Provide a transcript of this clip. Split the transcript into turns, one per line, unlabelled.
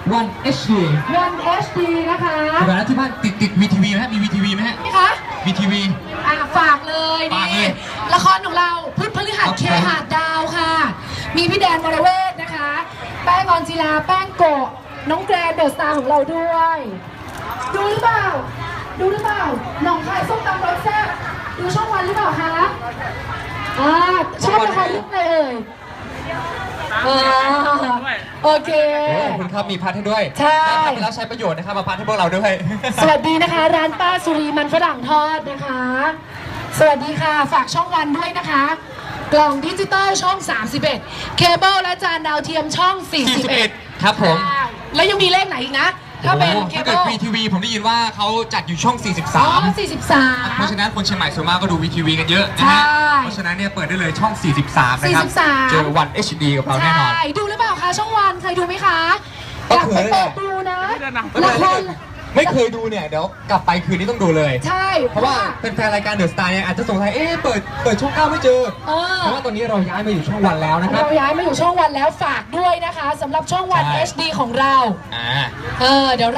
One HD
One HD นะคะ
เวลาที่บ้านติด VTV ไหมฮะมี VTV ไหมฮะ
นี่คะ
VTV
ฝากเลย
ฝากเล
นี่
ย
ละครของเราพุธพฤหัส
ครับ
เคหาดดาวค่ะ มีพี่แดนวรเวทนะคะ แป้งออนจิลาแป้งโกะน้องแกรนเดอะสตาร์ของเราด้วย ดูหรือเปล่า ดูหรือเปล่าหนองคายส้มตำรสแซ่บดูช่องวันหรือเปล่าคะชอบละครเรื่องอะไรเอ่ยโอเค
ขอบคุณครับมีพัดให้ด้วย
ใช่
ทำไปแล้วใช้ประโยชน์นะครับมาพัดให้พวกเราด้วย
สวัสดีนะคะ ร้านป้าสุรีมันฝรั่งทอดนะคะ สวัสดีค่ะฝากช่องวันด้วยนะคะ กล่องดิจิตอลช่อง 31 เคเบิลและจานดาวเทียมช่อง 41
ครับผม
แล้วยังมีเลขไหนอีกนะ ถ้าเป็นเค
ถ้า
เบิ
เกิด
ล
VTV ผมได้ยินว่าเขาจัดอยู่ช่อง
อ๋อ
43 เพราะฉะ
43
นั้นคนเชียงใหม่ส่วนมากก็ดู VTV กันเยอะนะฮะ
ใช่
เพราะฉะนั้นเนี่ยเปิดได้เลยช่อง 43 นะครับ
43
เจอ One HD กับเราแน่นอน
ใช่ดูหรือเปล่าคะช่องวันเคยดูไหมคะ
ก็
อยาก
เค
ไป
ย
เปิดดูนะ
ไม่
ละ
เป็น
ค
ไร
ร
ไม่เคยดูเนี่ยเดี๋ยวกลับไปคืนนี้ต้องดูเลย
ใช่
เพราะว่าเป็นแฟนรายการเดอะสตาร์เนี่ยอาจจะสงสัยเปิดช่อง 9 ไม่เจอ เพราะว่าตอนนี้เราย้ายมาอยู่ช่องวันแล้วนะครับ
เราย้ายมาอยู่ช่องวันแล้วฝากด้วยนะคะสำหรับช่องวัน
ใช่
HD ของเรา
อ่า
เดี๋ยว